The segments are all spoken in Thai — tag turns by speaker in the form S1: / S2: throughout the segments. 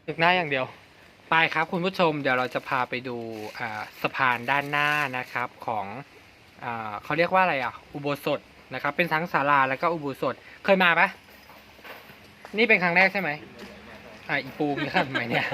S1: ตึกหน้าอย่างเดียว
S2: ไปครับคุณผู้ชมเดี๋ยวเราจะพาไปดูสะพานด้านหน้านะครับของเขาเรียกว่าอะไรอุโบสถนะครับเป็นทั้งศาลาแล้วก็อุโบสถเคยมาปะนี่เป็นครั้งแรกใช่ไหมอีปูมีข้างไหมเนี่ย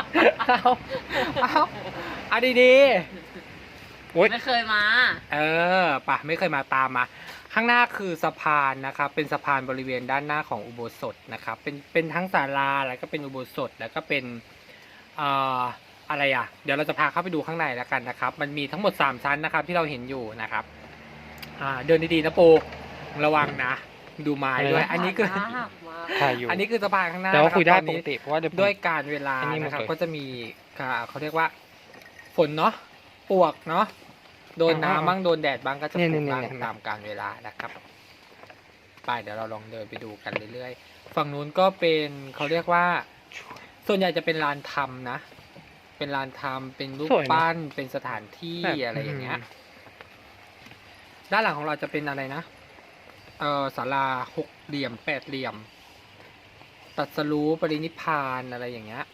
S2: เอาดีๆโอ๊ย
S3: ไม่เคยมา
S2: ป่ะไม่เคยมาตามมาข้างหน้าคือสะพานนะครับเป็นสะพานบริเวณด้านหน้าของอุโบสถนะครับเป็นทั้งศาลาแล้วก็เป็นอุโบสถแล้วก็เป็นอะไรเดี๋ยวเราจะพาเข้าไปดูข้างในแล้วกันนะครับมันมีทั้งหมด3ชั้นนะครับที่เราเห็นอยู่นะครับเดินดีๆนะปูระวังนะดูไม้ด้วยอันนี้คือ
S1: ถ่ายอยู่
S2: อันนี้คือสะพานข้างหน้า
S1: แต่ว่าคุยได้
S2: ตอน
S1: ป
S2: นี้
S1: กติเพราะว่าเดี๋ยวผม
S2: ด้วยการเวลา
S1: อันนี้หมด
S2: นะครับ
S1: เลย
S2: ก็จะมีเขาเรียกว่าฝนเนาะปวกเนาะโดนน้ำบ้างโดนแดดบ้างก็จะ
S1: เนี่ย
S2: ปวกบ้าง
S1: เนี่ย
S2: ตามการเวลานะครับไปเดี๋ยวเราลองเดินไปดูกันเรื่อยๆฝั่งนู้นก็เป็นเขาเรียกว่า ส่วนใหญ่จะเป็นลานทำนะเป็นลานทำเป็นรูป
S1: สวยนะ
S2: ปั้นเป็นสถานที่
S1: แบบ
S2: อะไรอย่างเงี้ยด้านหลังของเราจะเป็นอะไรนะศาลา6 เหลี่ยม 8 เหลี่ยมตรัสรู้ปรินิพพานอะไรอย่างเงี้ย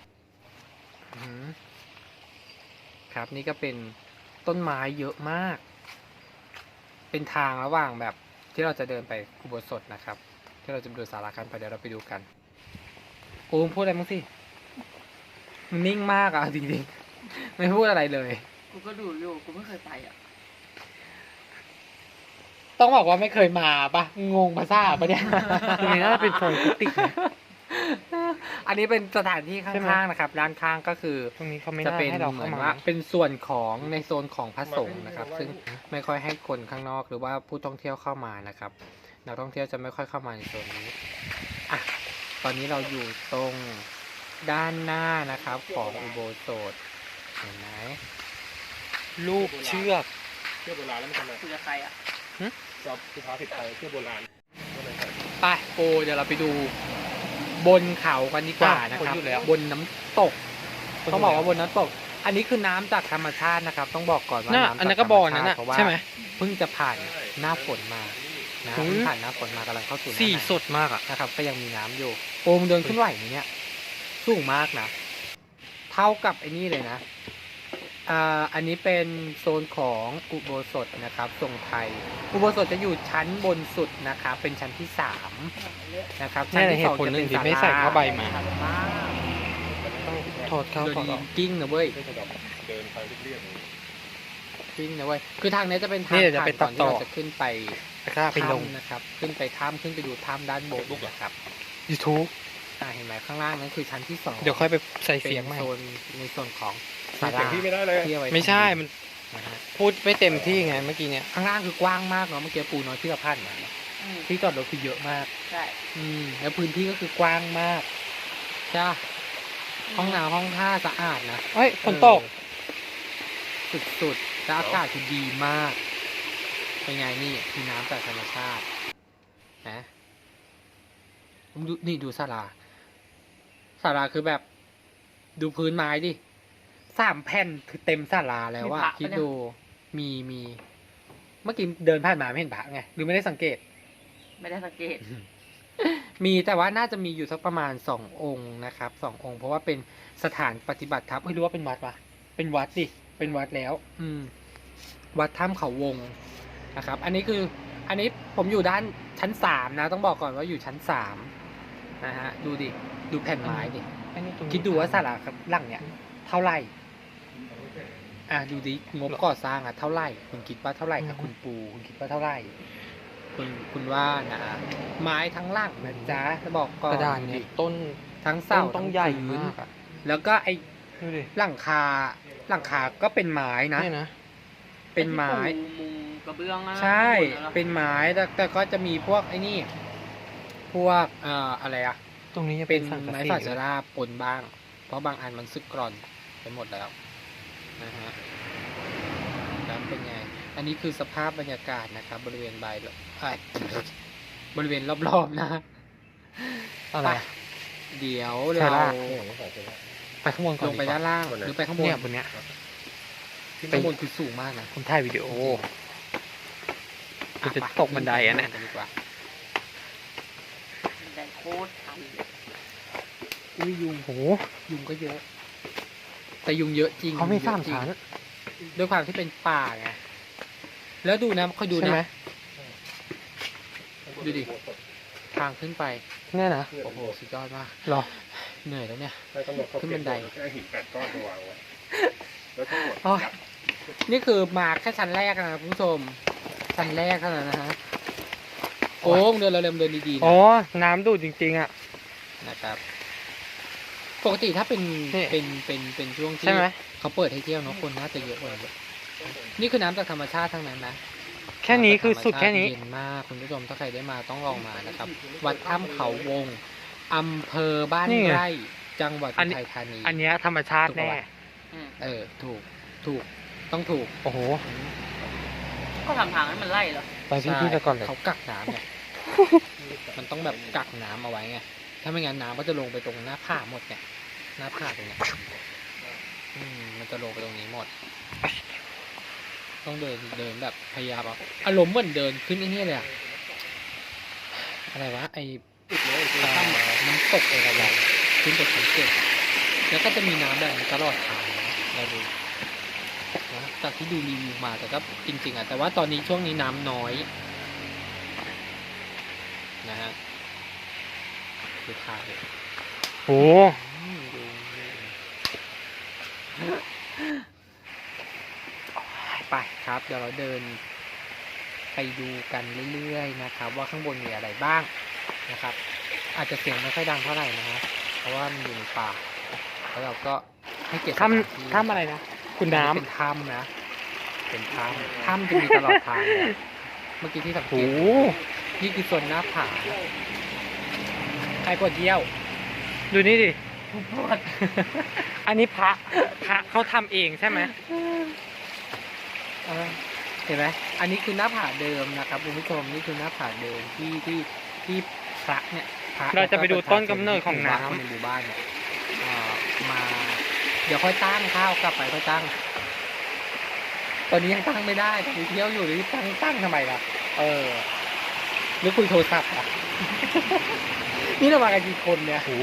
S2: ครับนี่ก็เป็นต้นไม้เยอะมาก เป็นทางระหว่างแบบที่เราจะเดินไปอุโบสถนะครับ ที่เราจะไปดูศาลากันไปเดี๋ยวเราไปดูกันโอ้มพูดอะไรมั้งสิมันนิ่งมากจริงๆไม่พูดอะไรเลย
S3: กูก็ดูอยู่ กูไม่เคยไปอ่ะ
S2: ต้องบอกว่าไม่เคยมาปะงงภาษาปะเนี่ย
S1: ตรงนี้น่าจะเป็นโซนกุฏินะ
S2: อันนี้เป็นสถานที่
S1: ใช่ไหม
S2: ข้างๆนะครับด้านข้างก็คือ
S1: ตรงนี้เขาไม่
S2: จะ
S1: น่า
S2: เป็น
S1: ให้เรา
S2: เหมื
S1: เข้า
S2: อน
S1: มา
S2: ว่าเป็นส่วนของในโซนของพระสงฆ์นะครับ ซึ่งไม่ค่อยให้คนข้างนอกหรือว่าผู้ท่องเที่ยวเข้ามานะครับนักท่องเที่ยวจะไม่ค่อยเข้ามาในโซนนี้ตอนนี้เราอยู่ตรงด้านหน้านะครับของอุโบสถเห็นไหม
S1: รูปเชือก
S4: เที่ยวโบราณแล้วมันทำไม
S3: คุยกับใครอ่ะ
S4: จอบสุภาษิตไทยเที่ยวโบราณก็เลยใส่
S2: ไปโปเดี๋ยวเราไปดูบนเขากันดีกว่านะครับ
S1: คนอยู่แล้ว
S2: บนน้ำตกต้องบอกว่าบนน้ำตก อันนี้คือน้ำจากธรรมชาตินะครับ ต้องบอกก่อนว่า
S1: น่ะ
S2: น้ำ
S1: อันนั้น
S2: จาก
S1: ก็
S2: ธรรม
S1: บ่อ
S2: ชา
S1: นั้น
S2: ติ
S1: น่ะ
S2: เพราะว่า
S1: ใช่ไหม
S2: เพิ่งจะผ่านหน้าฝนมานะ
S1: อืม
S2: เพิ่งผ่านหน้าฝนมากำลังเข้าสู่หน้า
S1: สี
S2: หนาว
S1: สดมากอ่ะ
S2: นะครับ ก็ยังมีน้ำอยู่โอมเดินขึ้นไหวไหมเนี่ยสูงมากนะเท่ากับไอ้นี่เลยนะอันนี้เป็นโซนของอุโบสถนะครับทรงไทย อุโบสถจะอยู่ชั้นบนสุดนะครับเป็นชั้นที่3นะครับชั้
S1: นี่
S2: น
S1: แหละ
S2: ที่
S1: เห
S2: สอง
S1: ตุผล
S2: จะ
S1: ห
S2: เป็
S1: นึ่
S2: น
S1: งที่
S2: ศา
S1: ไม่ใส่
S2: ลา
S1: ผ้าใบมา
S4: ต้อง
S1: ถอดเข้า
S2: เดิน
S1: ถอด
S2: ดี
S1: ออก
S2: กิ้งนะเว้ย
S4: ไม่ใช่แบบเดินไปเรียบๆอย่างนี้
S2: กิ้งนะเว้ยคือทางนี้จะเป็นทาง
S1: นี่เดี๋ยวจะ
S2: ผ่าน
S1: ไป
S2: ก่อนที่
S1: ต่อ
S2: เราจะขึ้นไป
S1: แล้วก็ไปลง
S2: ถ้ำนะครับขึ้นไปถ้ำขึ้นไปดูถ้ำด้านบนนะครับ
S1: YouTube
S2: เห็นไหมข้างล่างนั้นคือชั้นที่2
S1: เดี๋ยวค่อยไปใส่
S2: เป็น
S1: เสียงใหม่
S2: โซนในส่วนของศา
S4: เสีย
S2: ลาง
S4: ที่ไม่ได้เลย
S2: ที่เอาว้
S1: ไม่ใช่ มัน
S2: นะฮะ
S1: พูดไม่เต็มที่ไงเมื่อกี้เนี่ย
S2: ข้างล่างคือกว้างมากเนาะเมื่อกี้ปูน้อยที่เราผ่านมาที่จอดรถคือเยอะมาก
S3: ใช่
S2: แล้วพื้นที่ก็คือกว้างมากจ้าห้องน้ำห้องท่าสะอาดนะ
S1: เฮ้ยฝนตก
S2: สุดๆแล้วอากาศคือดีมากเป็นไงนี่คือน้ำจากธรรมชาตินะดูนี่ดูศาลาคือแบบ ดูพื้นไม้ดิ3 แผ่นคือเต็มศาลาแล้วว่าคิดดูมีเมื่อกี้เดินผ่านมาไม่เห็นพระไงหรือไม่ได้สังเกต
S3: ไม่ได้สังเกต
S2: มีแต่ว่าน่าจะมีอยู่สักประมาณ2 องค์นะครับ2 องค์เพราะว่าเป็นสถานปฏิบัติธรรมไม่รู้ว่าเป็นวัดปะเป็นวัดดิเป็นวัดแล้ว วัดถ้ำเขาวงนะครับ อันนี้ผมอยู่ด้านชั้น3นะต้องบอกก่อนว่าอยู่ชั้น3นะฮะดูดิดูแผ่นไม้ดิ
S1: อันนี้ตรงนี้
S2: คิดดูว่าศาลาหลังเนี่ยเท่าไหร่ดูดิงบก่อสร้างเท่าไหร่คุณคิดว่าเท่าไหร่ครับคุณปูคุณคิดว่าเท่าไหร่คุณว่านะไม้ทั้งหลังนะจ๊ะจะบอกก่อน
S1: กระดานเนี่ยต้น
S2: ทั้ง
S1: ต้
S2: เสาน
S1: ต้องใหญ่
S2: ทั้งพื้น
S1: มากอ่ะ
S2: แล้วก็ไอ้
S1: ดูดิ
S2: หลังคาก็เป็นไม้นะ
S1: เนี่ยนะ
S2: เป็นไม้
S3: อ้ที่ปูมุงกระเบื้องอะ
S2: ใช่
S3: ข้างบนอะ
S2: เป็นไม้แต่ก็จะมีพวกไอ้นี่ พวกอะไรอะ
S1: ตรงนี้จะ
S2: เป็
S1: เป็น นสังกะ
S2: ไม้
S1: สี
S2: ฝาชราปนบ้าง เพราะบางอันมันสึกกร่อนไปหมดแล้วนะฮะแล้วเป็นไง อันนี้คือสภาพบรรยากาศนะครับ บริเวณบริเวณรอบๆนะ
S1: อะไร
S2: ไปเดี๋ยว
S1: ใช่
S2: เรา
S1: ล่ะ
S4: ไม่อย่างนี้ใส่ใช่ไหม
S1: ไปข้างบนก่อ
S2: ล
S1: น
S2: งไปด้านล่าง
S4: บนไหน
S2: หรือไปข้างบน
S1: เนี่ยบนเนี้ย
S2: ที่ข้างบนคือสูงมากนะ
S1: ผมถ่ายวิดีโอมันจะตกบันไดอ่ะเนี่ย
S2: ดีกว่า
S3: แต่โคตรชันเลย
S2: อุ้ยยุง
S1: โห
S2: ยุงก็เยอะ แต่ยุงเยอะจริง
S1: เขาไม่
S2: ยุง
S1: สาม
S2: ยอะจริง
S1: ชั้น
S2: ด้วยความที่เป็นป่าไงแล้วดูนะคอยดู
S1: ใช่
S2: นะ
S1: ไหม
S2: ดูดิ ทางขึ้นไป
S1: เนี่ยนะ
S2: โอ้โหสุดยอดมาก
S1: หรอ
S2: เหนื่อยแล้วเนี่ย
S4: ให้กำหนดเขา
S2: ขึ้นบันได
S4: แค่หิน8 ก้อนมาวางไว้แล้วทั้งหมด
S2: โอ้ยนี่คือมาแค่ชั้นแรกนะคุณผู้ชมชั้นแรกเท่านั้นนะฮะโอ้งเดินเร็วๆเดินดีๆ
S1: อ๋อ
S2: นะ
S1: น้ำดูดจริงๆอ่ะ
S2: นะครับ ปกติถ้าเป็น
S1: นี่
S2: เป็นช่วงที่
S1: ใช่ไหม
S2: เขาเปิดให้เที่ยวเนาะคนน่าจะเยอะกว่านี้นี่คือน้ำจากธรรมชาติทั้งนั้นนะ
S1: แค่นี้คือสุดแค่นี้
S2: เย็นมากคุณผู้ชมถ้าใครได้มาต้องลองมานะครับ วัดถ้ำเขาวงอำเภอบ้าน
S1: นี่ไง
S2: ไร่จังหวัด
S1: อั
S2: อุ
S1: นนี้
S2: ทัยธานี
S1: อันเนี้ยธรรมชาติแน่
S3: อืม
S2: ถูกต้องถูก
S1: โอ้โห
S3: ก็ทำทางให้มันไล่เหรอ
S1: ไปพี่ๆไปก่อนเลย
S2: เขากักน้ำเนี่ย มันต้องแบบกักน้ำเอาไว้ไง ถ้าไม่งั้นน้ำก็จะลงไปตรงหน้าผาหมดไงหน้าผาตรงเนี้ยมันจะลงไปตรงนี้หมด ต้องเดินแบบพยายามเอาอารมณ์เหมือนเดินขึ้นไอ้นี่เลยอะอะไรวะไอ้น้ำตกอะไรแบบขึ้นไปชั้น7แล้วก็จะมีน้ำแบบนี้ตลอดทางนะเราดูนะจากที่ดูรีวิวมาแต่ก็จริงๆอ่ะแต่ว่าตอนนี้ช่วงนี้น้ำน้อยนะฮะดูทางเลย
S1: โห
S2: ดูไปครับ เดี๋ยวเราเดินไปดูกันเรื่อยๆนะครับ ว่าข้างบนมีอะไรบ้างนะครับ อาจจะเสียงไม่ค่อยดังเท่าไหร่นะฮะเพราะว่ามันอยู่ในป่าแล้วเราก็ให้เกียรติสถานที่
S1: ถ้ำอะไรนะ คุณน้
S2: เป็นถ้ำนะ เป็นถ้ำจะมีตลอดทางเลยเมื่อกี้ที่สัง
S1: ำ
S2: เก
S1: โห
S2: ตนี่คือส่วนหน้าผาใครปวดเยี่ยว
S1: ดูนี่ดิ
S3: ปวด
S1: อันนี้พระเขาทำเองใช่ไหม
S2: เห็นไหมอันนี้คือหน้าผาเดิมนะครับคุณผู้ชมนี่คือหน้าผาเดิมที่พระเนี่ยพระ
S1: เราจะไปดูต้นกำเนิดของน้ำ
S2: คนในหมู่บ้านเนี่ยมา เดี๋ยวค่อยตั้งข้าวกลับไปค่อยตั้ง ตอนนี้ยังตั้งไม่ได้ตอนนี้เที่ยวอยู่หรือตั้งทำไมล่ะหรือคุยโทรศัพท์อ่ะ นี่เรามากันกี่คนเนี่ย
S1: โห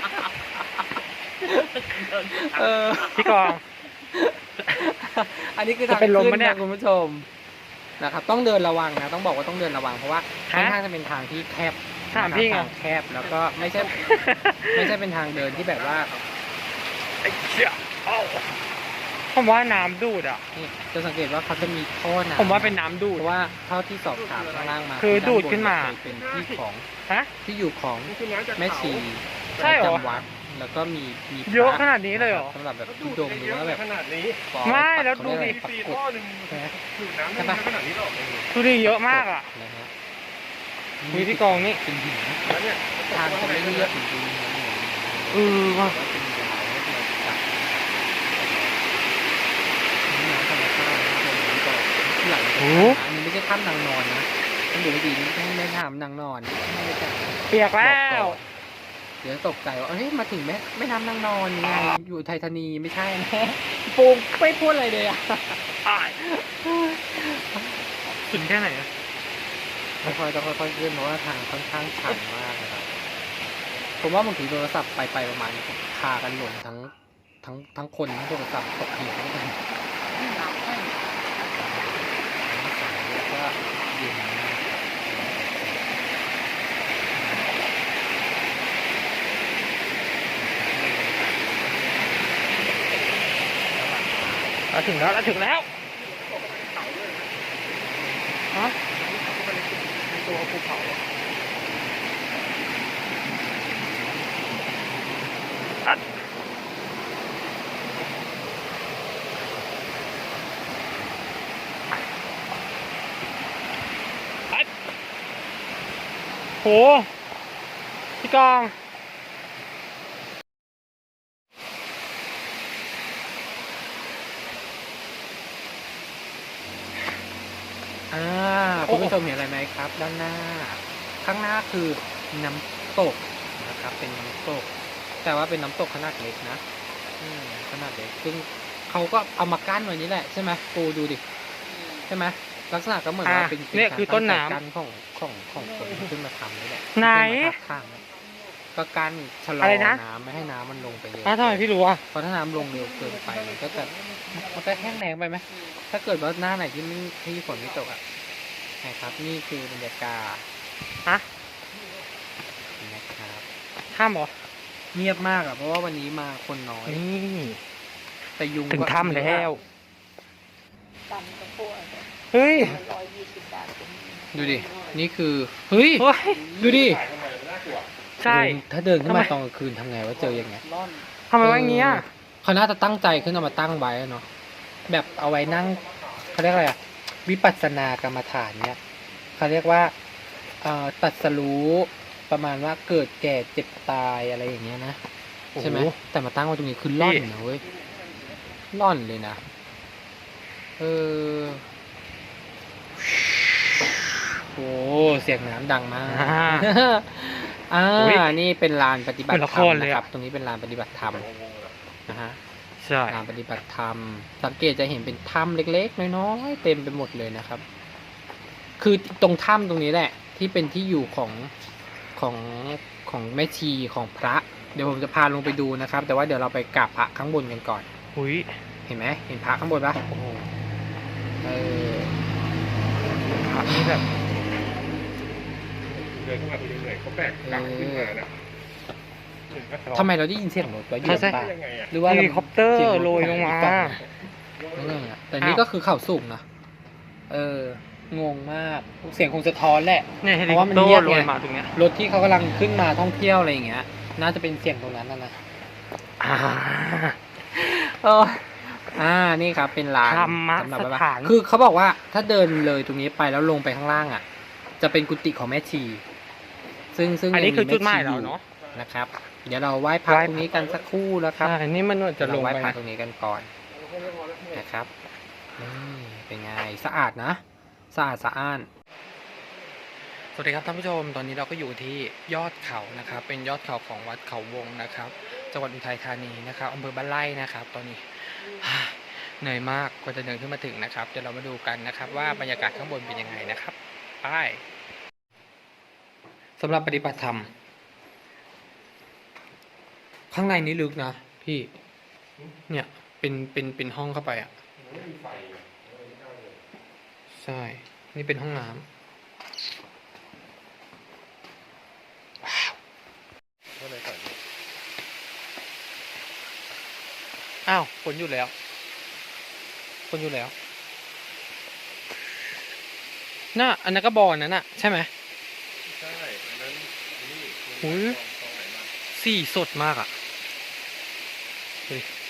S2: เออ
S1: พี่กอง
S2: อันนี้คือ
S1: จะ
S2: ทาง
S1: เป็นลม
S2: ขึ้
S1: ปะเนี่ย
S2: คุณผู้ชมนะครับ ต้องเดินระวังนะต้องบอกว่าต้องเดินระวังเพราะว่าค่อน
S1: ฮะ
S2: ข้างจะเป็นทางที่แคบ
S1: ถามพี่ไง
S2: ทางแคบแล้วก็ไม่ใช่ ไม่ใช่เป็นทางเดินที่แบบว่า
S1: ไอ้เชี่ยเอ้าผมว่าน้ำดูดอ่ะ
S2: นี่จะสังเกตว่าเขาจะมีท่อน้ำ
S1: ผมว่าเป็นน้ำดู
S2: เพ
S1: ด
S2: ราะว่าเท่าที่สอบถามข้างล่างมา
S1: คือดูด
S2: ด้บ
S1: ขึ้นมา
S2: เคยเป็นที่ของ
S1: ฮะ
S2: ที่อยู่ของ
S4: นี่คือน้ำจาก
S2: แม่
S4: เขา
S2: ชี
S1: ใช่เหรอ
S2: ประจำวัดแล้วก็มีพร
S1: เยอะขนาดนี้เลยเหรอ
S2: สำหรับแบบ
S4: แล้ว
S2: ทุ
S4: ดู
S2: ด
S4: ด
S2: งค์ห
S4: เย
S2: รือ
S4: อะ
S2: ว่าแบบ
S4: ขนาดนี้
S2: ปอย
S1: ไม่แล้ว
S2: เขา
S1: ดูดิ
S2: เรียกอะไร
S4: 4
S2: ปักกด
S4: ท่อหนึ่ง
S2: ใช่ไหม
S4: ดูดน้ำได้เยอะขนาดนี้หรอ
S1: ดูดิเยอะมากอ่ะ
S2: นะฮะ
S1: มีพี่กองนี่
S2: เป็นหิน
S4: แล้วเนี่ย
S2: ทางจะไม่เรียบจริงๆนะ
S1: เออว่ะ
S2: ว่าเป็นยาวแล้วเราจับนี่น้ำธรรมชาตินะเป็นน้ำก่อนที่หลังเป็นถ้ำนะอันนี้ไม่ใช่ถ้ำนางนอนนะต้องดูให้ดีนี่ไม่ถามนางนอนไม่ได้จับ
S1: เปียกแล้ว
S2: เดี๋ยวตกใจว่าเฮ้ยมาถึงไม่ทำนางนอนยังไงอยู่ไทยธานีไม่ใช่แน่ปูไม่พูดอะไรเลยอ่ะ
S1: อ้ายสุดแค่ไหนอะ
S2: ต้องค่อยๆขึ้นเพราะว่าทางค่อนข้างชันมากนะครับผมว่าบางทีโทรศัพท์ไปประมาณพากันหล่นทั้งคนทั้งโทรศัพท์ตกเหวด้วยกันแล้วก็เย็นมาก
S1: เราถึงแล้วเราถึงแล้วฮะ
S4: ตัวภูเขา
S1: ไปโหพี่กอง
S2: คุณผู้ชมเห็นอะไรไหมครับ ด้านหน้า ข้างหน้าคือน้ำตกนะครับ เป็นน้ำตก แต่ว่าเป็นน้ำตกขนาดเล็กนะขนาดเล็กซึ่งเขาก็เอามากั้นไว้นี้แหละใช่ไหมปูดูดิใช่ไหมลักษณะก็เหมือนว่าเป็น
S1: เนี่ยคือต้นน้ำ
S2: กั้นของคนที่ขึ้นมาทำนี่แหละ
S1: ไหน
S2: ขึ้นมาทับข้างก็การชะลอ
S1: อะไรนะ
S2: น้ำไม่ให้น้ำมันลงไปเยอะ
S1: อ้าวทำไมพี่รู้อ่ะ
S2: เพราะถ้าน้ำลงเร็วเกินไปมันก็แห้งแล้งไปไหมถ้าเกิดว่าหน้าไหนที่ฝนไม่ตกอ่ะนะครับ นี่คือบรรยากาศ
S1: ฮะ
S2: นะครับ
S1: ถ้ำเหรอ
S2: เงียบมากอ่ะเพราะว่าวันนี้มาคนน้อย
S1: นี่
S2: แต่ยุง
S1: ถึง
S2: ก็
S1: ถ้ำแล้ว
S3: ตำกระโปง
S1: เฮ้ย
S3: 120 บาทเป็น
S2: ดูดินี่คือเฮ้ย
S1: เฮ้ย
S2: ดูดิ
S4: ถ่ายทำไมมันน่ากลัว
S1: ใช่
S2: ถ้าเดินขึ้นมา
S1: ทำไม
S2: ตอนกลางคืนทำไงว่าเจอยังไง
S3: ร่อน
S1: ทำไมว่าอย่างเงี้ย
S2: เขาน่าจะตั้งใจขึ้นเอามาตั้งไว้อะเนาะแบบเอาไว้นั่งเขาเรียกอะไรอะวิปัสสนากรรมฐานเนี่ยเขาเรียกว่าตรัสรู้ประมาณว่าเกิดแก่เจ็บตายอะไรอย่างเงี้ยนะใช่ไหม
S1: โอ้โห
S2: แต่มาตั้งไว้ตรงนี้คือล่อน
S1: นี่
S2: นะเว้ยล่อนเลยนะโอ้เสียงน้ำดังมาก
S1: อุ๊ย
S2: นี่เป็นลานปฏิบัติ
S1: เหมือนละ
S2: ธ
S1: ค
S2: รรม
S1: รเลย
S2: นะ
S1: อะ
S2: ครับ ตรงนี้เป็นลานปฏิบัติธรรมนะฮะ
S1: ใช่
S2: ลานปฏิบัติธรรม สังเกตจะเห็นเป็นถ้ำเล็กๆน้อยๆเต็มไปหมดเลยนะครับ คือตรงถ้ำตรงนี้แหละ ที่เป็นที่อยู่ของแม่ชีของพระ เดี๋ยวผมจะพาลงไปดูนะครับ แต่ว่าเดี๋ยวเราไปกราบพระข้างบนกันก่อน
S1: อุ้ย
S2: เห็นไหมเห็นพระข้างบนปะ
S1: โอ้โห
S2: เออ
S1: พระนี่แบบ
S4: เดินเข้ามาคุณยังเหนื่อยเขาแบกกลับขึ้นมานะ
S2: ทำไมเราได้ยินเสียงรถวะอยู่
S1: ใช่
S2: ป่า
S4: ยังไงอ่ะ
S2: หรือว่า
S1: เฮลิคอปเตอร์
S2: สีง
S1: โรยลงมา
S2: นั่นไงอะแต่นี่ก็คือเขาสูงนะงงมากเสียงคงสะท้อนแหละ
S1: เนี่ยเฮ
S2: เพ
S1: ลิ
S2: ราะ
S1: คอ
S2: ว่า
S1: ป
S2: มัน
S1: เตอ
S2: เงียบ
S1: ร์โร
S2: ไง
S1: ยมาตรงเนี้ย
S2: รถที่เขากำลังขึ้นมาท่องเที่ยวอะไรอย่างเงี้ย น่าจะเป็นเสียงตรงนั้นนะ
S1: อ่า
S2: นี่ครับเป็นร้าน
S1: ธรรม
S2: สำหรับ
S1: ส
S2: แบบ
S1: ถาน
S2: คือเขาบอกว่าถ้าเดินเลยตรงนี้ไปแล้วลงไปข้างล่างอ่ะ จะเป็นกุฏิของแม่ชี ซึ่ง
S1: อันนี้
S2: ยัง
S1: คือจุดหมาย
S2: แชี
S1: เราเนาะ
S2: นะครับ เดี๋ยวเราไหว้พระ
S1: ไหว้
S2: ตรงนี้กันสักครู่แล้วครับ
S1: ใช่อันนี้มันจะลง
S2: เราไหว้
S1: ไป
S2: พระ
S1: นะ
S2: ตรงนี้กันก่อนนะครับเป็นไงสะอาดนะสะอาดสะอ้าน สวัสดีครับท่านผู้ชมตอนนี้เราก็อยู่ที่ยอดเขานะครับ เป็นยอดเขาของวัดเขาวงนะครับจังหวัดอุทัยธานีนะครับอำเภอบ้านไร่นะครับ ตอนนี้ เหนื่อยมากกว่าจะเดินขึ้นมาถึงนะครับเดี๋ยวเรามาดูกันนะครับ ว่าบรรยากาศข้างบนเป็นยังไงนะครับไปสำหรับปฏิบัติธรรม ข้างในนี้ลึกนะพี่เนี่ยเป็นห้องเข้าไปอ่ะใช่นี่เป็นห้องน้ำ
S4: ก็เลยใส่
S1: อ้าวฝนอยู่แล้วฝนอยู่แล้วน่ะอันนั้นก็บอลนั้นน่ะใช่ไหม
S4: ใช่อันนั้นนี่
S1: อุ๊ย
S4: ตรงไหนมา
S1: สีสดมากอ่ะเฮ้ย